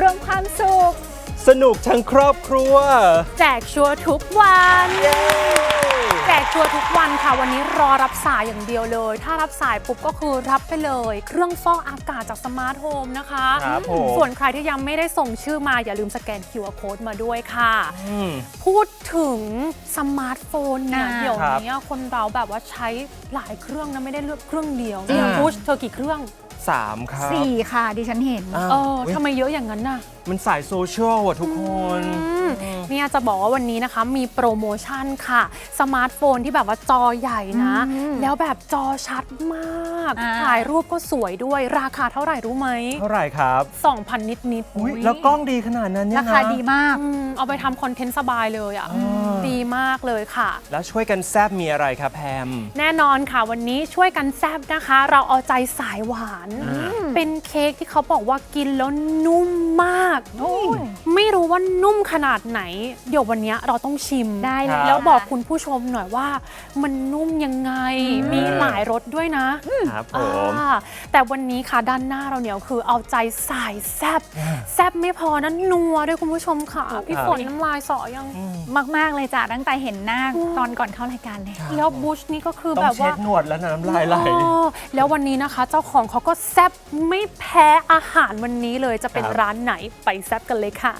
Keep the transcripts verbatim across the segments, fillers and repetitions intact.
มความสุขสนุกทั้งครอบครัวแจกชัวร์ทุกวันแจกชัวร์ทุกวันค่ะวันนี้รอรับสายอย่างเดียวเลยถ้ารับสายปุ๊บก็คือรับไปเลยเครื่องฟอกอากาศจากสมาร์ทโฮมนะคะครับผมส่วนใครที่ยังไม่ได้ส่งชื่อมาอย่าลืมสแกน คิว อาร์ Code มาด้วยค่ะพูดถึงสมาร์ทโฟนเนี่ยเดี๋ยวนี้คนเราแบบว่าใช้หลายเครื่องนะไม่ได้เลือกเครื่องเดียวอย่างพุชเธอกี่เครื่องสามครับสี่ค่ะดิฉันเห็นเออทำไมเยอะอย่างนั้นน่ะมันสายโซเชียลอ่ะทุกคนเนี่ยจะบอกว่าวันนี้นะคะมีโปรโมชั่นค่ะสมาร์ทโฟนที่แบบว่าจอใหญ่นะแล้วแบบจอชัดมากถ่ายรูปก็สวยด้วยราคาเท่าไหร่รู้ไหมเท่าไหร่ครับสองพัน นิดนิดแล้วกล้องดีขนาดนั้นเนี่ยนะราคาดีมากเอาไปทำคอนเทนต์สบายเลยอ่ะดีมากเลยค่ะแล้วช่วยกันแซบมีอะไรครับแพมแน่นอนค่ะวันนี้ช่วยกันแซบนะคะเราเอาใจสายหวานเป็นเค้กที่เขาบอกว่ากินแล้วนุ่มมากไม่รู้ว่านุ่มขนาดไหนเดี๋ยววันนี้เราต้องชิมได้เลยแล้วบอกคุณผู้ชมหน่อยว่ามันนุ่มยังไงมีหลายรสด้วยนะครับผมแต่วันนี้ค่ะด้านหน้าเราเนี่ยคือเอาใจสายแซบแซบไม่พอนั้นนัวด้วยคุณผู้ชมค่ะพี่ฝนน้ำลายสอยังมากๆเลยจ้ะตั้งแต่เห็นหน้าตอนก่อนเข้ารายการเลยแล้วบุชนี่ก็คือแบบว่าต้องเช็ดหนวดแล้วน้ำลายไหลแล้ววันนี้นะคะเจ้าของเขาก็แซบไม่แพ้อาหารวันนี้เลยจะเป็นร้านไหนไปแซบกันเลยค่ะ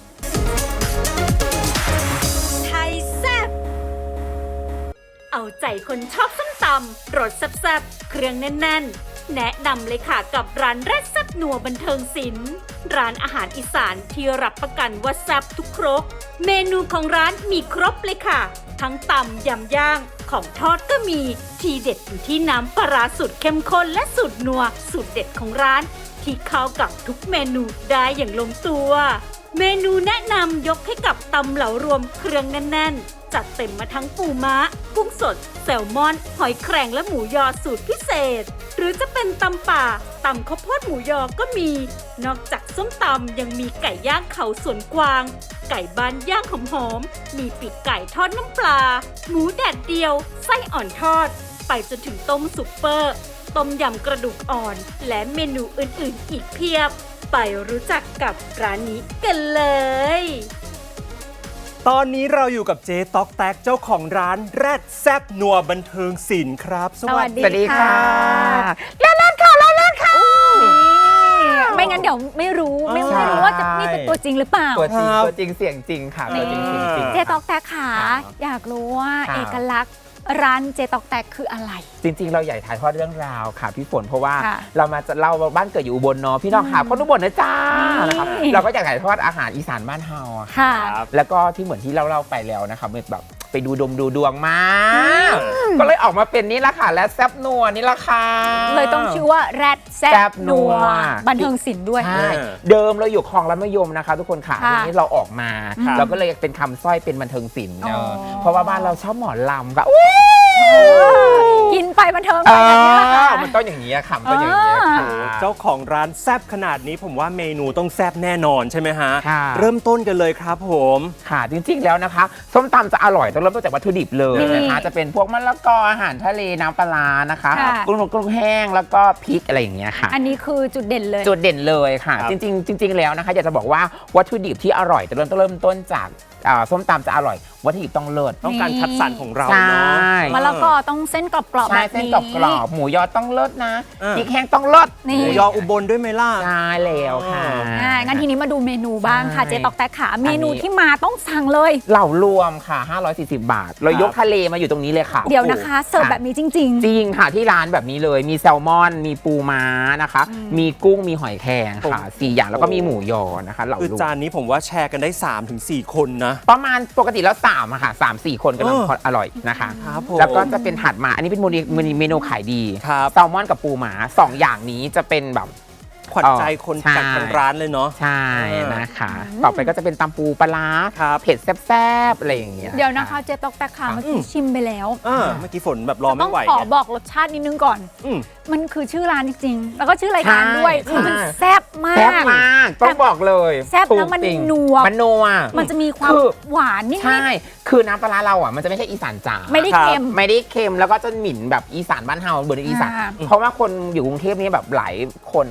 ไทยแซบเอาใจคนชอบส้มตำรสแซ่บๆเครื่องแน่นๆแนะนำเลยค่ะกับร้านแรดแซ่บนัวบันเทิงศิลป์ร้านอาหารอีสานที่รับประกันว่าแซ่บทุกครกเมนูของร้านมีครบเลยค่ะทั้งตำยำย่างของทอดก็มีทีเด็ดอยู่ที่น้ำปลาร้าสูตรเข้มข้นและสูตรนัวสูตรเด็ดของร้านที่เข้ากับทุกเมนูได้อย่างลงตัวเมนูแนะนำยกให้กับตำเหลารวมเครื่องแน่นๆจัดเต็มมาทั้งปูม้ากุ้งสดแซลมอนหอยแครงและหมูยอสูตรพิเศษหรือจะเป็นตำป่าตำข้าวโพดหมูยอก็มีนอกจากส้มตำยังมีไก่ย่างเขาสวนกวางไก่บ้านย่างหอมๆมีปีกไก่ทอดน้ำปลาหมูแดดเดียวไส้อ่อนทอดไปจนถึงต้มซุปเปอร์ต้มยำกระดูกอ่อนและเมนูอื่นๆอีกเพียบไปรู้จักกับร้านนี้กันเลยตอนนี้เราอยู่กับเจ๊ต๊อกแต๊กเจ้าของร้านแรดแซบนัวบันเทิงศิลป์ครับสวัสดีค่ะเล่นเล่นค่ะเล่นเล่นค่ะไม่งั้นเดี๋ยวไม่รู้ไม่รู้ว่าจะนี่เป็นตัวจริงหรือเปล่าตัวจริงตัวจริงเสียงจริงค่ะตัวจริงเสียงจริงเจ๊ต๊อกแต๊กค่ะอยากรู้ว่าเอกลักษณ์ร้านเจ๊ต๊อกแต๊กคืออะไรจริงๆเราใหญ่ถ่ายทอดเรื่องราวค่ะพี่ฝนเพราะว่าเรามาจะเล่าบ้านเกิดอยู่อุบลเนาะพี่น้องค่ะคนอุบลนะจ้านะครับเราก็อยากถ่ายทอดอาหารอีสานบ้านเฮาค่ะแล้วก็ที่เหมือนที่เราเล่าไปแล้วนะคะแบบไปดูดมดูดวงมาก็เลยออกมาเป็นนี่ละค่ะและแซบนัวนี่ละค่ะเลยต้องชื่อว่าแรดแซบนัวบันเทิงศิลป์ด้วยเดิมเราอยู่คลองรัฐมยมนะคะทุกคนค่ะทีนี้เราออกมาเราก็เลยเป็นคำสร้อยเป็นบันเทิงศิลป์เนาะเพราะว่าบ้านเราชอบหมอลำก็กินไปบันเทิงไปอย่างนี้ค่ะมันต้องอย่างนี้ค่ะมันต้องอย่างนี้ค่ะเจ้าของร้านแซบขนาดนี้ผมว่าเมนูต้องแซบแน่นอนใช่ไหมฮะเริ่มต้นกันเลยครับผมค่ะจริงๆแล้วนะคะส้มตำจะอร่อยต้องเริ่มต้นจากวัตถุดิบเลยนะคะจะเป็นพวกมะละกออาหารทะเลน้ำปลานะคะกุ้งกุ้งแห้งแล้วก็พริกอะไรอย่างเงี้ยค่ะอันนี้คือจุดเด่นเลยจุดเด่นเลยค่ะจริงๆจริงๆแล้วนะคะอยากจะบอกว่าวัตถุดิบที่อร่อยจะเริ่มต้นเริ่มต้นจากส้มตำจะอร่อยวัตถุดิบต้องเลิศต้องการคัดสรรของเราเนาะมะละกอต้องเส้นกรอบๆแบบนี้เส้นกรอบๆหมูยอต้องเลิศนะพริกแห้งต้องเลิศหมูยออุบลด้วยไหมล่ะใช่แล้วค่ะงั้นทีนี้มาดูเมนูบ้างค่ะเจ๊ต๊อกแต๊กขาเมนูที่มาต้องสั่งเลยเหล่ารวมค่ะห้าร้อยสี่สิบบาทเรายกทะเลมาอยู่ตรงนี้เลยค่ะเดี๋ยวนะคะเสิร์ฟแบบนี้จริงๆจริงค่ะที่ร้านแบบนี้เลยมีแซลมอนมีปูม้านะคะมีกุ้งมีหอยแครงค่ะสี่อย่างแล้วก็มีหมูยอนะคะเหล่ารวมคือจานนี้ผมว่าแชร์กันได้ สามถึงสี่ คนนะประมาณปกติแล้วสามอะค่ะสามสี่คนกำลังอร่อยนะคะแล้วก็จะเป็นถัดมาอันนี้เป็นเมนูขายดีแซลมอนกับปูหมาสองอย่างนี้จะเป็นแบบขวัญใจคนจากทางร้านเลยเนาะใช่นะคะต่อไปก็จะเป็นตำปูปลาเผ็ดแซ่บๆอะไรอย่างเงี้ยเดี๋ยวนะคะเจ๊ต๊อกแต๊กค่ะเมื่อกี้ชิมไปแล้วเมื่อกี้ฝนแบบรอไม่ไหวต้องขอบอกรสชาตินิดนึงก่อนมันคือชื่อร้านจริงๆแล้วก็ชื่อรายการด้วยคือมันแซ่บมากแซ่บมากต้องบอกเลยแซ่บแล้วมันนัวมันนัวมันจะมีความหวานนิดใช่คือน้ำปลาเราอ่ะมันจะไม่ใช่อีสานจ๋าไม่ได้เค็มไม่ได้เค็มแล้วก็จะหมิ่นแบบอีสานบ้านเฮาเบอร์อีสานเพราะว่าคนอยู่กรุงเทพนี่แบบหลายคนนะคะจะเป็น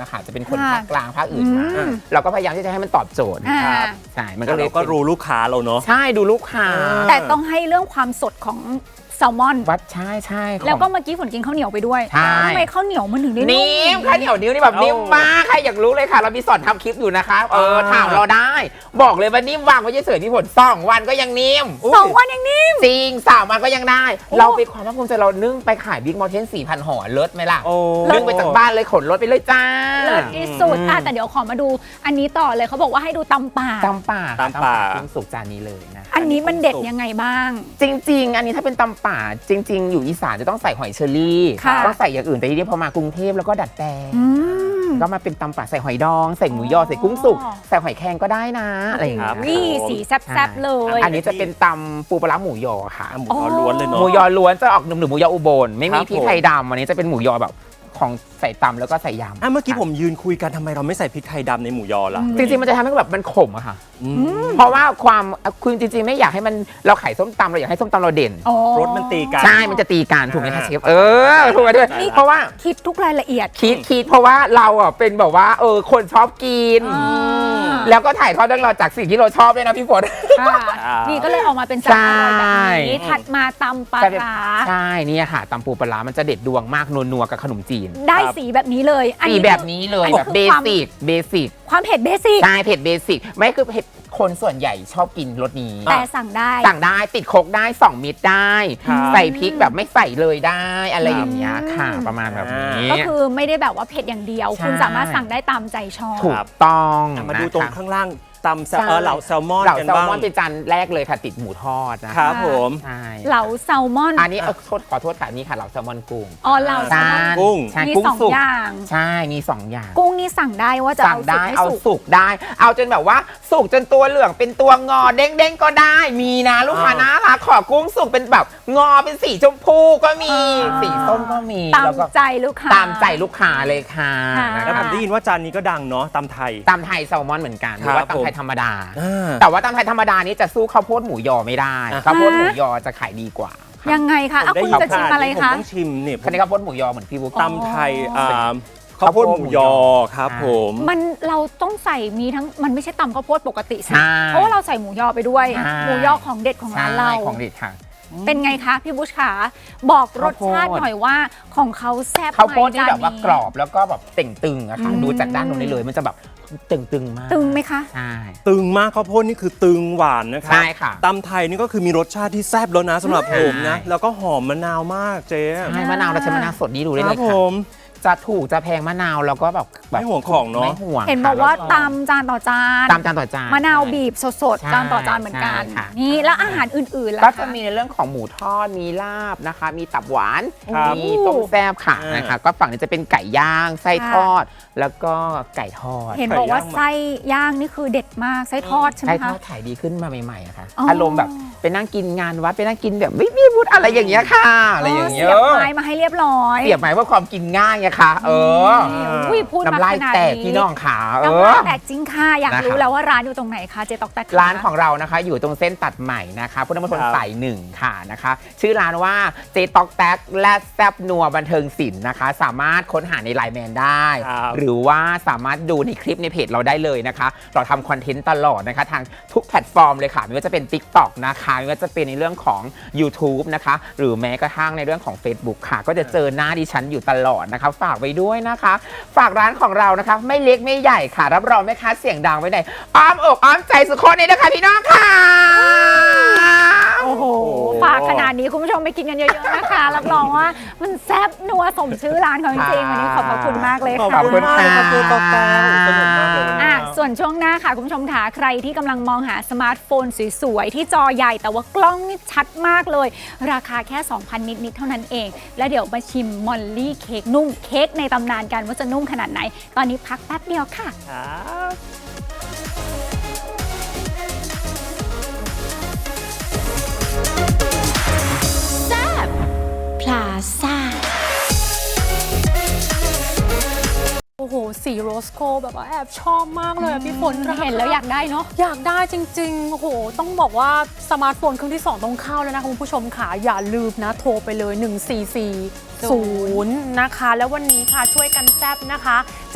คนค่ะภาคกลางภาคอื่นมาอืมเราก็พยายามที่จะให้มันตอบโจทย์อ่าครับใช่มันก็เลยเราก็รู้ลูกค้าเราเนาะใช่ดูลูกค้าแต่ต้องให้เรื่องความสดของแซลมอนวัดใช่ใช่ของแล้วก็เมื่อกี้ฝนกินข้าวเหนียวไปด้วยใช่ทำไมข้าวเหนียวมันถึงได้นิ่มข้าวเหนียวนิ้วนี่แบบเอานิ่นิ่มมากใครอยากรู้เลยค่ะ เรามีสอนทำคลิปอยู่นะคะเอออ่าถามเราได้ บอกเลยว่านิ่มวางไว้เฉยๆที่ผลสองวันก็ยังนิ่มสองวันยังนิ่มจริงสามวันก็ยังได้โอ้เราไปความภาคภูมิใจเรานึ่งไปขายบิ๊กมอลเทนสี่พันห่อเลิศไหมล่ะโอ้นึ่งไปจากบ้านเลยขนรถไปเลยจ้าเลิศที่สุดอ่ะแต่เดี๋ยวขอมาดูอันนี้ต่อเลยเขาบอกว่าให้ดูตำป่าตำป่าตำป่ากุ้งสุกจานนี้เลยนะอันนี้มันเด็ดยังไงบ้างจริง ๆ อันนี้ถ้าเป็นตำป่าจริง ๆ อยู่อีสานจะต้องใส่หอยเชอรี่ค่ะต้องใส่อย่างอื่นแต่ทีนี้พอมากรุงเทพแล้วก็ดัดแปลงอืมก็มาเป็นตำป่าใส่หอยดอง ใส่หมูยอใส่กุ้งสุกใส่หอยแครงก็ได้นะอะไรอย่างเงี้ยนี่สีแซ่บๆเลยอันนี้จะเป็นตำปูปลาร้าหมูยอค่ะหมูยอล้วนเลยเนาะหมูยอล้วนจะออกหนุ่มๆหมูยออุบลไม่มีครับพริกไทยดำอันนี้จะเป็นหมูยอแบบของใส่ตำแล้วก็ใส่ยำอ่ะเมื่อกี้ผมยืนคุยกันทำไมเราไม่ใส่พริกไทยดำในหมูยอล่ะจริงๆมันจะทำให้แบบมันขมอะค่ะอืมเพราะว่าความคุณจริงๆไม่อยากให้มันเราขายส้มตำเราอยากให้ส้มตำเราเด่นอ๋อรสมันตีกันใช่ มันจะตีกันถูกไหมคะอ่าเชฟ เออ ถูกไหมด้วย เพราะว่าคิดทุกรายละเอียดคิดคิดเพราะว่าเราอ่ะเป็นแบบว่า เออ คนชอบกินอ่าแล้วก็ถ่ายทอดเรื่องเราวจากสิ่งที่เราชอบด้วยนะพี่ฝนค่ะอ่านี่นี่ก็เลยออกมาเป็นจานอร่อยแบบนี้ใช่ถัดมาตำปลาร้าใช่เนี่ยค่ะตำปูปลาร้ามันจะเด็ดดวงมากนัวๆกับขนมจีนได้สีแบบนี้เลยอันสีนี้แบบนี้เลยอันนี้แบบคือเบความสิก เบสิกความเผ็ดเบสิกใช่เผ็ดเบสิก ไม่คือเผ็ดคนส่วนใหญ่ชอบกินรสนี้แต่สั่งได้สั่งได้ติดโคกได้สองมิตรได้ครับใส่พริกแบบไม่ใส่เลยได้อะไรอย่างเงี้ยค่ะ ประมาณแบบนี้ก็คือไม่ได้แบบว่าเผ็ดอย่างเดียวใช่คุณสามารถสั่งได้ตามใจชอบถูกต้องอ่ะมาดูตรงนะคะข้างล่างตำแซลใช่เออเหล่าแซลมอนเหล่ากันแซลบ้างมอนเป็นจานแรกเลยค่ะติดหมูทอดนะครับผมใช่เหลาแซลมอนอันนี้เออโทษขอโทษค่ะนี่ค่ะเหล่าแซลมอนกุ้งอ๋อเหลาแซลมอนกุ้งใช่มีกุ้งสองสุกอย่างใช่มีสองอย่างกุ้งนี่สั่งได้ว่าจะสั่งเอาสุกได้ไม่เอาสุกสุกได้ เอาจนแบบว่าสุกจนตัวเหลืองเป็นตัวงอเด้งๆก็ได้ มีนะลูกค้าอ่านะรักขอกุ้งสุกเป็นแบบงอเป็นสีชมพูก็มีอ่าสีส้มก็มีตามแล้วก็ใจลูกค้าตามใจลูกค้าเลยค่ะค่ะนะแล้วคผรับมได้ยินว่าจานนี้ก็ดังเนาะตำไทยตำไทยแซลมอนเหมือนกันหครัรืบอว่าตำไทยผมธรรมดาอ่าแต่ว่าตำไทยธรรมดานี้จะสู้ข้าวโพดหมูยอไม่ได้อ่ะข้าวโพดหมูยอจะขายดีกว่าค่ะยังไงคะอ่ะได้คุณยินจะชิมอะไรผมคะต้องชิมเนี่ยคันนี้ข้าวโพดหมูยอเหมือนพี่บุ๊กตำไทยอ่าข้าข้าว วโพโพดดหหมูมูยยออครับผมมันเราต้องใส่มีทั้งมันไม่ใช่ตำข้าวโพดปกติสิใช่เพราะว่าเราใส่หมูยอไปด้วยใช่หมูยอของเด็ดของร้านเราใช่ของเด็ดค่ะเป็นไงคะพี่บุชขาบอกรสชาติข้าวโพดหน่อยว่าของเขาแซ่บข้าวโพดไหมที่แบบว่าจนนี้กรอบแล้วก็แบบเต่งตึงอะค่ะอืมดูจากด้านตรงนี้เลยมันจะแบบตึงตึงๆมากตึงไหมคะใช่ตึงมากข้าวโพดนี่คือตึงหวานนะครัใช่ค่ะตำไทยนี่ก็คือมีรสชาติที่แซ่บแล้วนะสำหรับผมนะใช่แล้วก็หอมมะนาวมากเจ๊ใช่มะนาวเราใช้มะนาวสดนี้ดูได้คเลรับยผค่ะมจะถูกจะแพงมะนาวแล้วก็แบบแบบไม่ห่วงของเนอะไม่ห่วงเห็นค่ะบอกว่าแล้วตำจานต่อจานตามจานต่อจานมะนาวบีบสดใช่ๆจานต่อจานเหมือนกันใช่ค่ะนี่แล้วอาหารอื่นๆล่ะก็คจะมีในเรื่องของหมูทอดมีลาบนะคะ มีตับหวานครับมีต้มแซ่บค่ะอ่านนะคะก็ฝั่งนี้จะเป็นไก่ย่างไส้ทอด แล้วก็ไก่ทอดเห็นบอกว่าไส้ย่างนี่คือเด็ดมากไส้ทอดใช่ไหมไส้ทคะอดขายดีขึ้นมาใหม่ๆอะค่ะอ๋อออารมณ์แบบไปนั่งกินงานวัดไปนั่งกินแบบไม่มีวุฒิอะไรอย่างเงี้ยค่ะอะไรอย่างเงี้ยเสียบไม้มาให้เรียบร้อยเสียบหมายว่าความกินง่ายไงคะเอออุ้ยพูดมาน้ำลายขนาดแตกนี้พี่น้องขาเอน้ำอลายแตกจริงค่ะอยากนะคะรู้แล้วว่าร้านอยู่ตรงไหนคะเจตอกแตกร้านของเรานะคะอยู่ตรงเส้นตัดใหม่นะคะพุทธมณฑลครับสายหนึ่งค่ะนะคะ ชื่อร้านว่าเจตอกแตกและแซบนัวบันเทิงศิลป์นะคะ สามารถค้นหาในไลน์แมนได้ครับหรือว่าสามารถดูในคลิปในเพจเราได้เลยนะคะ เราทำคอนเทนต์ตลอดนะคะ ทางทุกแพลตฟอร์มเลยค่ะไม่ว่าจะเป็น TikTok นะคะไม่ว่าจะเป็นในเรื่องของ YouTube นะคะ หรือแม้กระทั่งในเรื่องของ Facebook ค่ะ ก็จะเจอหน้าดิฉันอยู่ตลอดนะคะ ฝากไว้ด้วยนะคะ ฝากร้านของเรานะคะ ไม่เล็กไม่ใหญ่ค่ะ รับรองแม่ค้าเสียงดังไว้ในอ้อมอกอ้อมใจสุดคนเลยนะคะพี่น้องค่ะโอ้โหฝากขนาดนี้คุณผู้ชมไปกินกันเยอะๆนะคะรับรองว่ามันแซ่บนัวสมชื่อร้านเขาจริงๆวันนี้ขอบพระคุณมากเลยขอบค่ะคุณมากเลยครับเจ๊ตอกแตกสนุกมากเลยอ่ะส่วนช่วงหน้าค่ะ คุณผู้ชมค่ะใครที่กำลังมองหาสมาร์ทโฟนสวยๆ ที่จอใหญ่แต่ว่ากล้องนี่ชัดมากเลย ราคาแค่ สองพัน นิดๆเท่านั้นเอง แล้วเดี๋ยวมาชิมมอลลี่เค้กนุ่มเค้กในตำนานกันว่าจะนุ่มขนาดไหน ตอนนี้พักแป๊บเดียวค่ะครับพลาซ่าโอ้โห สีโรสโกแบบว่าแอบชอบมากเลยอะพี่ฝนเห็นแล้วอยากได้เนาะอยากได้จริงๆ โอ้โห ต้องบอกว่าสมาร์ทโฟนเครื่องที่ สอง ต้องเข้าแล้วนะคะคุณผู้ชมค่ะ อย่าลืมนะ โทรไปเลย หนึ่งสี่สี่ศูนย์ นะคะ แล้ววันนี้ค่ะช่วยกันแซบนะคะ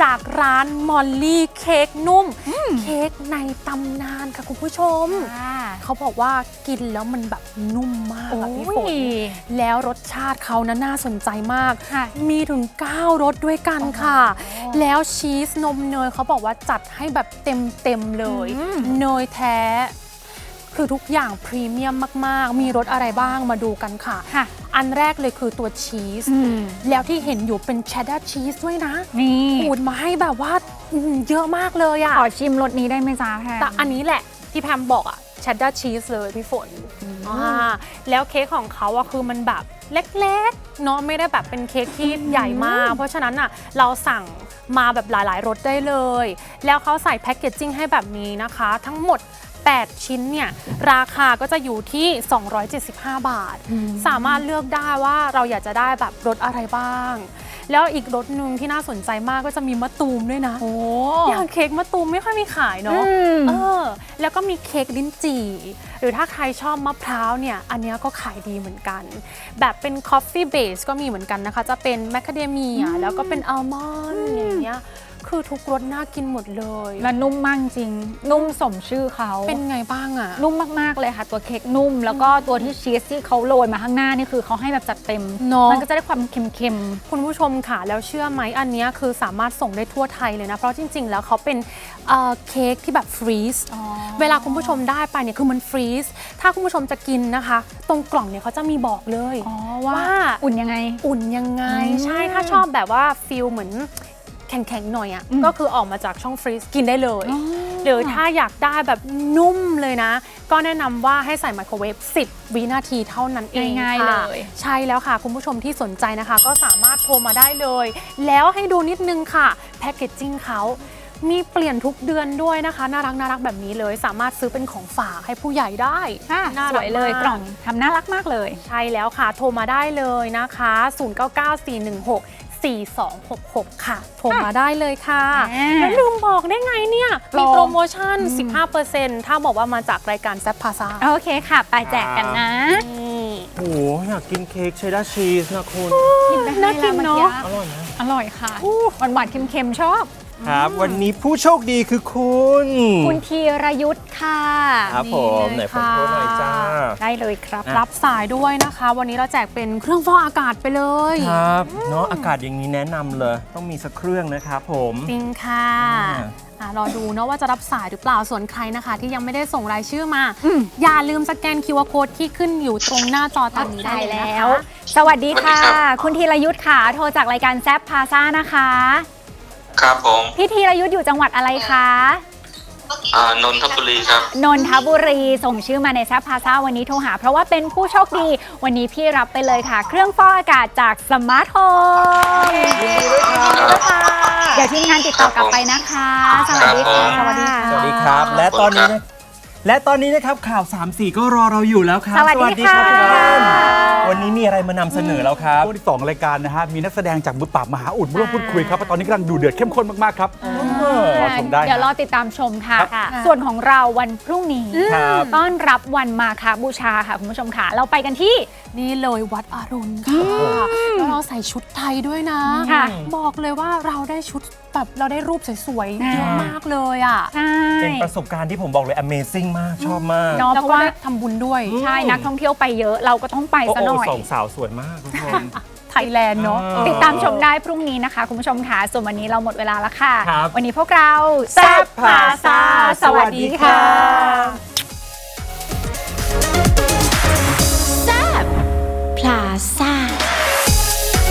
จากร้านมอลลี่เค้กนุ่มเค้กในตำนานค่ะคุณผู้ชม เขาบอกว่ากินแล้วมันแบบนุ่มมากอะพี่ฝนแล้วรสชาติเขานะน่าสนใจมากมีถึงเก้ารสด้วยกันค่ะแล้วชีสนมเนยเขาบอกว่าจัดให้แบบเต็มเต็มเลยเนยแท้คือทุกอย่างพรีเมียมมากๆมีรสอะไรบ้างมาดูกันค่ะอันแรกเลยคือตัวชีสแล้วที่เห็นอยู่เป็นเชดดาร์ชีสด้วยนะนี่ขูดมาให้แบบว่าเยอะมากเลยอะขอชิมรสนี้ได้ไหมจ๊ะแพมแต่อันนี้แหละที่แพมบอกอะเชดดาร์ชีสเลยพี่ฝนแล้วเค้กของเขาอะคือมันแบบเล็กๆเนาะไม่ได้แบบเป็นเค้กที่ใหญ่มากเพราะฉะนั้นอะเราสั่งมาแบบหลายๆรสได้เลยแล้วเขาใส่แพ็กเกจจิ้งให้แบบนี้นะคะทั้งหมดแปดชิ้นเนี่ยราคาก็จะอยู่ที่สองร้อยเจ็ดสิบห้าบาทสามารถเลือกได้ว่าเราอยากจะได้แบบรสอะไรบ้างแล้วอีกรสหนึ่งที่น่าสนใจมากก็จะมีมะตูมด้วยนะโอ้อย่างเค้กมะตูมไม่ค่อยมีขายเนาะเออแล้วก็มีเค้กลิ้นจี่หรือถ้าใครชอบมะพร้าวเนี่ยอันนี้ก็ขายดีเหมือนกันแบบเป็นคอฟฟี่เบสก็มีเหมือนกันนะคะจะเป็นแมคคาเดเมียแล้วก็เป็นอัลมอนด์อย่างเงี้ยคือทุกรสน่ากินหมดเลยและนุ่มมากจริงนุ่มสมชื่อเขาเป็นไงบ้างอะนุ่มมากๆเลยค่ะตัวเค้กนุ่มแล้วก็ตัวที่ชีสที่เขาโรยมาข้างหน้านี่คือเขาให้แบบจัดเต็มมันก็จะได้ความเค็มๆคุณผู้ชมค่ะแล้วเชื่อไหมอันนี้คือสามารถส่งได้ทั่วไทยเลยนะเพราะจริงๆแล้วเขาเป็นเค้กที่แบบฟรีซเวลาคุณผู้ชมได้ไปเนี่ยคือมันฟรีซถ้าคุณผู้ชมจะกินนะคะตรงกล่องเนี่ยเขาจะมีบอกเลยว่าอุ่นยังไงอุ่นยังไงใช่ถ้าชอบแบบว่าฟีลเหมือนแข็งๆหน่อยอ่ะก็คือออกมาจากช่องฟรีซกินได้เลยหรือถ้าอยากได้แบบนุ่มเลยนะก็แนะนำว่าให้ใส่ไมโครเวฟสิบวินาทีเท่านั้นเองง่ายๆเลยใช่แล้วค่ะคุณผู้ชมที่สนใจนะคะก็สามารถโทรมาได้เลยแล้วให้ดูนิดนึงค่ะแพคเกจจิ้งเขามีเปลี่ยนทุกเดือนด้วยนะคะน่ารักน่ารักแบบนี้เลยสามารถซื้อเป็นของฝากให้ผู้ใหญ่ได้สวยเลยกล่องทำน่ารักมากเลยใช่แล้วค่ะโทรมาได้เลยนะคะศูนย์ เก้า เก้า สี่ หนึ่ง หก สี่ สอง หก หกค่ะโทรมาได้เลยค่ะแล้วลืมบอกได้ไงเนี่ยมีโปรโมชั่น สิบห้าเปอร์เซ็นต์ ถ้าบอกว่ามาจากรายการแซ่บพาซาโอเคค่ะไปแจกกันนะโอ้โหอยากกินเค้กเชดดาร์ชีสนะคุณน่ากินเนาะอร่อยนะอร่อยค่ะหวานหวานเค็มๆชอบครับวันนี้ผู้โชคดีคือคุณคุณธีรยุทธ์ค่ะครับผมไหนผมโทรหน่อยจ้าได้เลยครับรับสายด้วยนะคะวันนี้เราแจกเป็นเครื่องฟอกอากาศไปเลยครับเนาะอากาศอย่างนี้แนะนำเลยต้องมีสักเครื่องนะครับผมจริงค่ะรอดูเนาะว่าจะรับสายหรือเปล่าส่วนใครนะคะที่ยังไม่ได้ส่งรายชื่อมาอย่าลืมสแกน คิว อาร์ Code ที่ขึ้นอยู่ตรงหน้าจอตอนนี้ได้แล้วสวัสดีค่ะคุณธีรยุทธ์ค่ะโทรจากรายการแซ่บพาซ่านะคะครับผมพี่ธีรยุทธ์อยู่จังหวัดอะไรคะอ่านนทบุรีครับนนทบุรีส่งชื่อมาในแซ่บพาซ่าวันนี้โทรหาเพราะว่าเป็นผู้โชคดีวันนี้พี่รับไปเลยค่ะเครื่องฟอกอากาศจากสมาร์ทโฮมเดี๋ยวทีมงานติดต่อกลับไปนะคะสวัสดีค่ะสวัสดีสวัสดีครับและตอนนี้และตอนนี้นะครับข่าวสามสี่ก็รอเราอยู่แล้วครับสวัสดีค่ะวันนี้มีอะไรมานำเสนอแล้วครับช่วงที่สองรายการนะฮะมีนักแสดงจากมือปราบมหาอุดมาร่วมพูดคุยครับตอนนี้กำลังดูเดือดเข้มข้นมากๆครับรอชมได้เดี๋ยวรอติดตามชมค่ะส่วนของเราวันพรุ่งนี้ต้อนรับวันมาฆบูชาค่ะคุณผู้ชมค่ะเราไปกันที่นี่เลยวัดอรุณค่ะแล้วเราใส่ชุดไทยด้วยนะบอกเลยว่าเราได้ชุดแบบเราได้รูปสวยๆเยอะมากเลยอ่ะเป็นประสบการณ์ที่ผมบอกเลย Amazing มากชอบมากเพราะว่าทำบุญด้วยใช่นักท่องเที่ยวไปเยอะเราก็ต้องไปซะหน่อยสองสาวสวยมากทุกคนไทยแลนด์เนาะติดตามชมได้พรุ่งนี้นะคะคุณผู้ชมค่ะส่วนวันนี้เราหมดเวลาแล้วค่ะวันนี้พวกเราแซ่บพาซาสวัสดีค่ะ